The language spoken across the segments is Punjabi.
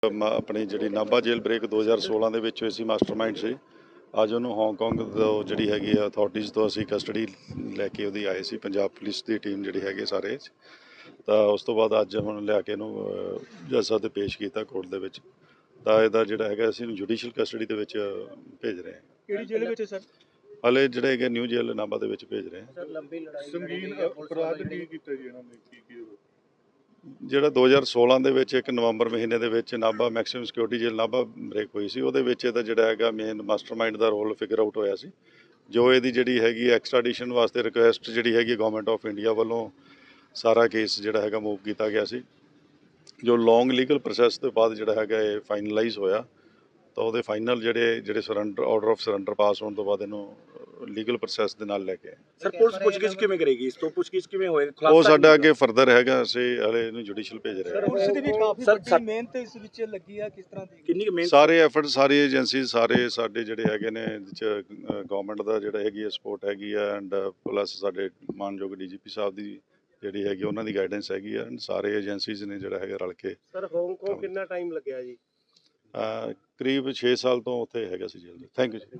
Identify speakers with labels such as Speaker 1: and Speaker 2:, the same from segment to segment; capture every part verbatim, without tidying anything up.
Speaker 1: अपनी जी नाभा जेल ब्रेक दो हज़ार सोलह ਦੇ ਵਿੱਚ ਹੋਈ ਸੀ ਮਾਸਟਰਮਾਈਂਡ ਸੀ। ਅੱਜ ਉਹਨੂੰ ਹਾਂਗਕਾਂਗ ਤੋਂ ਜਿਹੜੀ ਹੈਗੀ ਆ ਅਥਾਰਟੀਜ਼ ਤੋਂ ਅਸੀਂ ਕਸਟਡੀ ਲੈ ਕੇ ਉਹਦੀ ਆਏ ਸੀ, ਪੰਜਾਬ ਪੁਲਿਸ ਦੀ ਟੀਮ ਜਿਹੜੀ ਹੈਗੀ ਸਾਰੇ। ਤਾਂ ਉਸ ਤੋਂ ਬਾਅਦ ਅੱਜ ਹੁਣ ਲਿਆ ਕੇ ਇਹਨੂੰ ਜੱਜ ਸਾਹਿਬ ਦੇ ਪੇਸ਼ ਕੀਤਾ ਕੋਰਟ ਦੇ ਵਿੱਚ। ਤਾਂ ਇਹਦਾ ਜਿਹੜਾ ਹੈਗਾ ਅਸੀਂ ਇਹਨੂੰ ਜੁਡੀਸ਼ੀਅਲ ਕਸਟਡੀ ਦੇ ਵਿੱਚ ਭੇਜ ਰਹੇ ਹਾਂ।
Speaker 2: ਕਿਹੜੀ ਜੇਲ੍ਹ ਵਿੱਚ ਸਰ?
Speaker 1: ਹਲੇ ਜਿਹੜੇ ਹੈਗੇ ਨਿਊ ਜੇਲ੍ਹ ਨਾਭਾ ਦੇ ਵਿੱਚ ਭੇਜ ਰਹੇ ਹਾਂ।
Speaker 2: ਸਰ ਲੰਬੀ ਲੜਾਈ ਸੰਗੀਨ ਅਪਰਾਧ ਕੀ ਕੀਤਾ ਜੀ ਇਹਨਾਂ ਨੇ, ਕੀ ਕੀ
Speaker 1: ਜਿਹੜਾ ਦੋ ਹਜ਼ਾਰ ਸੋਲ੍ਹਾਂ ਦੇ ਵਿੱਚ ਇੱਕ ਨਵੰਬਰ ਮਹੀਨੇ ਦੇ ਵਿੱਚ Nabha maximum security jail Nabha break ਹੋਈ ਸੀ। ਉਹਦੇ ਵਿੱਚ ਇਹਦਾ ਜਿਹੜਾ ਹੈਗਾ ਮੇਨ ਮਾਸਟਰਮਾਈਂਡ ਦਾ ਰੋਲ ਫਿਗਰ ਆਊਟ ਹੋਇਆ ਸੀ। ਜੋ ਇਹਦੀ ਜਿਹੜੀ ਹੈਗੀ ਐਕਸਟ੍ਰਾਡੀਸ਼ਨ ਵਾਸਤੇ ਰਿਕੁਐਸਟ ਜਿਹੜੀ ਹੈਗੀ ਗਵਰਨਮੈਂਟ ਆਫ ਇੰਡੀਆ ਵੱਲੋਂ ਸਾਰਾ ਕੇਸ ਜਿਹੜਾ ਹੈਗਾ ਮੂਵ ਕੀਤਾ ਗਿਆ ਸੀ। ਜੋ ਲੌਂਗ ਲੀਗਲ ਪ੍ਰੋਸੈਸ ਤੋਂ ਬਾਅਦ ਜਿਹੜਾ ਹੈਗਾ ਇਹ ਫਾਈਨਲਾਈਜ਼ ਹੋਇਆ। ਤਾਂ ਉਹਦੇ ਫਾਈਨਲ ਜਿਹੜੇ ਜਿਹੜੇ surrender order of surrender pass ਹੋਣ ਤੋਂ ਬਾਅਦ ਇਹਨੂੰ ਲੀਗਲ ਪ੍ਰੋਸੈਸ ਦੇ ਨਾਲ ਲੈ ਕੇ
Speaker 2: ਸਰ ਪੁਲਿਸ ਪੁੱਛਗਿੱਛ ਕਿਵੇਂ ਕਰੇਗੀ? ਇਸ ਤੋਂ ਪੁੱਛਗਿੱਛ ਕਿਵੇਂ ਹੋਏਗਾ?
Speaker 1: ਉਹ ਸਾਡਾ ਅੱਗੇ ਫਰਦਰ ਹੈਗਾ, ਅਸੀਂ ਹਲੇ ਇਹਨੂੰ ਜੁਡੀਸ਼ੀਅਲ ਭੇਜ ਰਹੇ ਹਾਂ।
Speaker 2: ਪੁਲਿਸ ਦੀ ਵੀ ਕਾਫੀ ਵੱਡੀ ਮਿਹਨਤ ਇਸ ਵਿੱਚ ਲੱਗੀ ਆ, ਕਿਸ ਤਰ੍ਹਾਂ ਦੀ ਕਿੰਨੀ ਕੁ ਮਿਹਨਤ?
Speaker 1: ਸਾਰੇ ਐਫਰਟ ਸਾਰੀ ਏਜੰਸੀ ਸਾਰੇ ਸਾਡੇ ਜਿਹੜੇ ਹੈਗੇ ਨੇ ਵਿੱਚ ਗਵਰਨਮੈਂਟ ਦਾ ਜਿਹੜਾ ਹੈਗੀ ਹੈ ਸਪੋਰਟ ਹੈਗੀ ਆ ਐਂਡ ਪਲੱਸ ਸਾਡੇ ਮਾਨਯੋਗ ਡੀ ਜੀ ਪੀ ਸਾਹਿਬ ਦੀ ਜਿਹੜੀ ਹੈਗੀ ਉਹਨਾਂ ਦੀ ਗਾਈਡੈਂਸ ਹੈਗੀ ਆ। ਸਾਰੇ ਏਜੰਸੀਜ਼ ਨੇ ਜਿਹੜਾ ਹੈਗਾ ਰਲ ਕੇ।
Speaker 2: ਸਰ ਹਾਂਗਕਾਂਗ ਕਿੰਨਾ ਟਾਈਮ ਲੱਗਿਆ ਜੀ?
Speaker 1: ਕਰੀਬ ਛੇ ਸਾਲ ਤੋਂ ਉੱਥੇ ਹੈਗਾ ਸੀ ਜੇਲ੍ਹ। ਥੈਂਕ ਯੂ ਜੀ।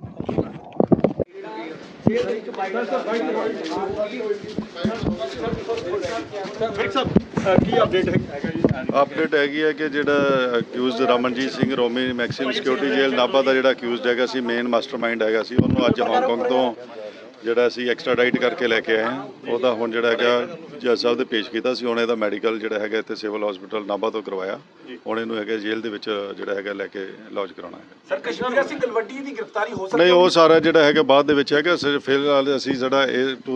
Speaker 2: ਕੀ ਅਪਡੇਟ ਹੈਗਾ ਜੀ?
Speaker 1: ਅਪਡੇਟ ਹੈਗੀ ਹੈ ਕਿ ਜਿਹੜਾ accused Ramanjit Singh Romi maximum security jail Nabha ਦਾ ਜਿਹੜਾ ਅਕਿਊਜ਼ਡ ਹੈਗਾ ਸੀ, ਮੇਨ ਮਾਸਟਰਮਾਈਂਡ ਹੈਗਾ ਸੀ, ਉਹਨੂੰ ਅੱਜ ਹਾਂਗਕਾਂਗ ਤੋਂ ਜਿਹੜਾ ਅਸੀਂ ਐਕਸਟ੍ਰਾਡਾਈਟ ਕਰਕੇ ਲੈ ਕੇ ਆਏ ਹਾਂ। ਉਹਦਾ ਹੁਣ ਜਿਹੜਾ ਹੈਗਾ ਜੱਜ ਸਾਹਿਬ ਦੇ ਪੇਸ਼ ਕੀਤਾ ਸੀ। ਹੁਣ ਇਹਦਾ ਮੈਡੀਕਲ ਜਿਹੜਾ ਹੈਗਾ ਇੱਥੇ ਸਿਵਲ ਹਸਪੀਟਲ ਨਾਭਾ ਤੋਂ ਕਰਵਾਇਆ। ਹੁਣ ਇਹਨੂੰ ਹੈਗਾ ਜੇਲ੍ਹ ਦੇ ਵਿੱਚ ਜਿਹੜਾ ਹੈਗਾ ਲੈ ਕੇ ਲੌਜ ਕਰਾਉਣਾ ਹੈ।
Speaker 2: ਸਰ ਕਸ਼ਮੀਰ ਸਿੰਘ ਤਲਵੰਡੀ ਦੀ ਗ੍ਰਿਫਤਾਰੀ ਹੋ ਸਕਦੀ?
Speaker 1: ਨਹੀਂ, ਉਹ ਸਾਰਾ ਜਿਹੜਾ ਹੈਗਾ ਬਾਅਦ ਦੇ ਵਿੱਚ ਹੈਗਾ। ਫਿਲਹਾਲ ਅਸੀਂ ਜਿਹੜਾ ਇਹ ਟੂ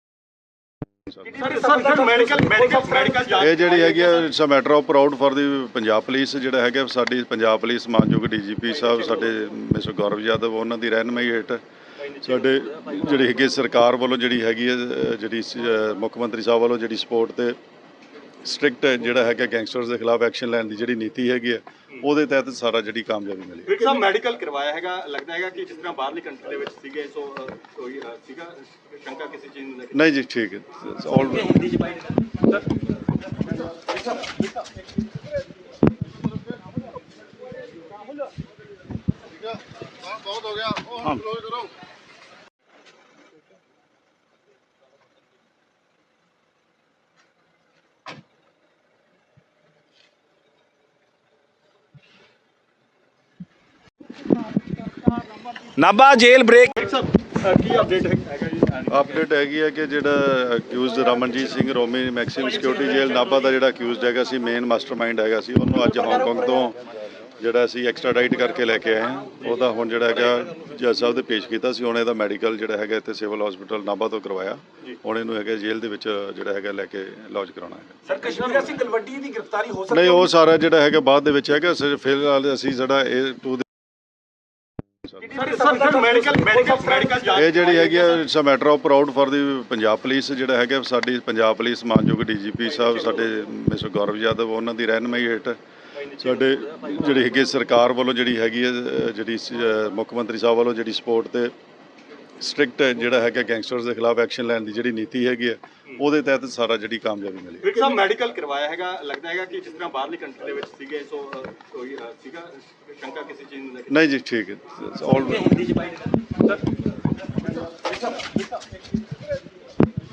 Speaker 1: ਇਹ ਜਿਹੜੀ ਹੈਗੀ ਆ it's a matter of proud for the Punjab police. ਜਿਹੜਾ ਹੈਗਾ ਸਾਡੀ ਪੰਜਾਬ ਪੁਲਿਸ ਮਾਨਯੋਗ ਡੀ ਜੀ ਪੀ ਸਾਹਿਬ ਸਾਡੇ ਮਿਸਟਰ ਗੌਰਵ ਯਾਦਵ ਉਹਨਾਂ ਦੀ ਰਹਿਨੁਮਾਈ ਹੇਠ ਸਾਡੇ ਜਿਹੜੀ ਹੈਗੀ ਸਰਕਾਰ ਵੱਲੋਂ ਜਿਹੜੀ ਹੈਗੀ ਹੈ ਜਿਹੜੀ ਮੁੱਖ ਮੰਤਰੀ ਸਾਹਿਬ ਵੱਲੋਂ ਜਿਹੜੀ ਸਪੋਰਟ ਤੇ ਸਟ੍ਰਿਕਟ ਜਿਹੜਾ ਹੈਗਾ ਗੈਂਗਸਟਰਸ ਦੇ ਖਿਲਾਫ ਐਕਸ਼ਨ ਲੈਣ ਦੀ ਜਿਹੜੀ ਨੀਤੀ ਹੈਗੀ ਹੈ, ਉਹਦੇ ਤਹਿਤ ਸਾਰਾ ਜਿਹੜੀ ਕਾਮਯਾਬੀ ਮਿਲੀ।
Speaker 2: ਸਰ ਮੈਡੀਕਲ ਕਰਵਾਇਆ ਹੈਗਾ, ਲੱਗਦਾ ਹੈਗਾ ਕਿ ਜਿਸ ਤਰ੍ਹਾਂ ਬਾਹਰਲੀ ਕੰਟਰੀ ਦੇ ਵਿੱਚ ਸੀਗੇ ਸੋ ਕੋਈ ਸੀਗਾ ਸ਼ੰਕਾ ਕਿਸੇ ਚੀਜ਼ ਨੂੰ ਲੈ ਕੇ?
Speaker 1: ਨਹੀਂ ਜੀ, ਠੀਕ ਹੈ। ਆਲ
Speaker 2: ਹਿੰਦੀ ਚ ਬਾਈ ਬਹੁਤ ਹੋ ਗਿਆ, ਉਹ ਹੁਣ ਕਲੋਜ਼ ਕਰੋ। ਨਾਭਾ ਜੇਲ੍ਹ ਬ੍ਰੇਕ ਕੀ ਅਪਡੇਟ ਹੈਗਾ ਜੀ?
Speaker 1: ਅਪਡੇਟ ਹੈਗੀ ਹੈ ਕਿ ਜਿਹੜਾ accused Ramanjit Singh Romi maximum security jail Nabha ਦਾ ਜਿਹੜਾ ਅਕਿਊਜ਼ਡ ਹੈਗਾ ਸੀ, ਮੇਨ ਮਾਸਟਰਮਾਈਂਡ ਹੈਗਾ ਸੀ, ਉਹਨੂੰ ਅੱਜ ਹਾਂਗਕਾਂਗ ਤੋਂ ਜਿਹੜਾ ਅਸੀਂ ਐਕਸਟ੍ਰਾਡਾਈਟ ਕਰਕੇ ਲੈ ਕੇ ਆਏ ਹਾਂ। ਉਹਦਾ ਹੁਣ ਜਿਹੜਾ ਹੈਗਾ ਜੱਜ ਸਾਹਿਬ ਦੇ ਪੇਸ਼ ਕੀਤਾ ਸੀ। ਹੁਣ ਇਹਦਾ ਮੈਡੀਕਲ ਜਿਹੜਾ ਹੈਗਾ ਇੱਥੇ ਸਿਵਲ ਹਸਪੀਟਲ ਨਾਭਾ ਤੋਂ ਕਰਵਾਇਆ। ਹੁਣ ਇਹਨੂੰ ਹੈਗਾ ਜੇਲ੍ਹ ਦੇ ਵਿੱਚ ਜਿਹੜਾ ਹੈਗਾ ਲੈ ਕੇ ਲੌਜ ਕਰਾਉਣਾ ਹੈ।
Speaker 2: ਸਰ ਕਸ਼ਮੀਰ ਸਿੰਘ ਤਲਵੰਡੀ ਦੀ ਗ੍ਰਿਫਤਾਰੀ ਹੋ ਸਕਦੀ?
Speaker 1: ਨਹੀਂ, ਉਹ ਸਾਰਾ ਜਿਹੜਾ ਹੈਗਾ ਬਾਅਦ ਦੇ ਵਿੱਚ ਹੈਗਾ। ਫਿਲਹਾਲ ਅਸੀਂ ਜਿਹੜਾ ਇਹ ਟੂ ਇਹ ਜਿਹੜੀ ਹੈਗੀ ਆ it's a matter of proud for the Punjab police. ਜਿਹੜਾ ਹੈਗਾ ਸਾਡੀ ਪੰਜਾਬ ਪੁਲਿਸ ਮਾਨਯੋਗ ਡੀ ਜੀ ਪੀ ਸਾਹਿਬ ਸਾਡੇ ਮਿਸਟਰ ਗੌਰਵ ਯਾਦਵ ਉਹਨਾਂ ਦੀ ਰਹਿਨੁਮਾਈ ਹੇਠ ਸਾਡੇ ਜਿਹੜੀ ਹੈਗੀ ਸਰਕਾਰ ਵੱਲੋਂ ਜਿਹੜੀ ਹੈਗੀ ਹੈ ਜਿਹੜੀ ਮੁੱਖ ਮੰਤਰੀ ਸਾਹਿਬ ਵੱਲੋਂ ਜਿਹੜੀ ਸਪੋਰਟ ਤੇ ਸਟ੍ਰਿਕਟ ਜਿਹੜਾ ਹੈਗਾ ਗੈਂਗਸਟਰਸ ਦੇ ਖਿਲਾਫ ਐਕਸ਼ਨ ਲੈਣ ਦੀ ਜਿਹੜੀ ਨੀਤੀ ਹੈਗੀ ਹੈ, ਉਹਦੇ ਤਹਿਤ ਸਾਰਾ ਜਿਹੜੀ ਕਾਮਯਾਬੀ ਮਿਲੀ।
Speaker 2: ਸਰ ਮੈਡੀਕਲ ਕਰਵਾਇਆ ਹੈਗਾ, ਲੱਗਦਾ ਹੈਗਾ ਕਿ ਜਿਸ ਤਰ੍ਹਾਂ ਬਾਹਰਲੀ ਕੰਟਰੀ ਦੇ ਵਿੱਚ ਸੀਗੇ ਸੋ ਕੋਈ ਸੀਗਾ ਸ਼ੰਕਾ ਕਿਸੇ ਚੀਜ਼ ਨੂੰ ਲੈ ਕੇ?
Speaker 1: ਨਹੀਂ ਜੀ, ਠੀਕ ਹੈ। ਆਲ
Speaker 2: ਹਿੰਦੀ ਚ ਬਾਈ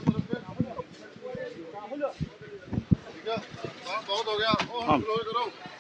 Speaker 3: ਬਹੁਤ ਹੋ ਗਿਆ, ਉਹ ਹੁਣ ਕਲੋਜ਼ ਕਰੋ।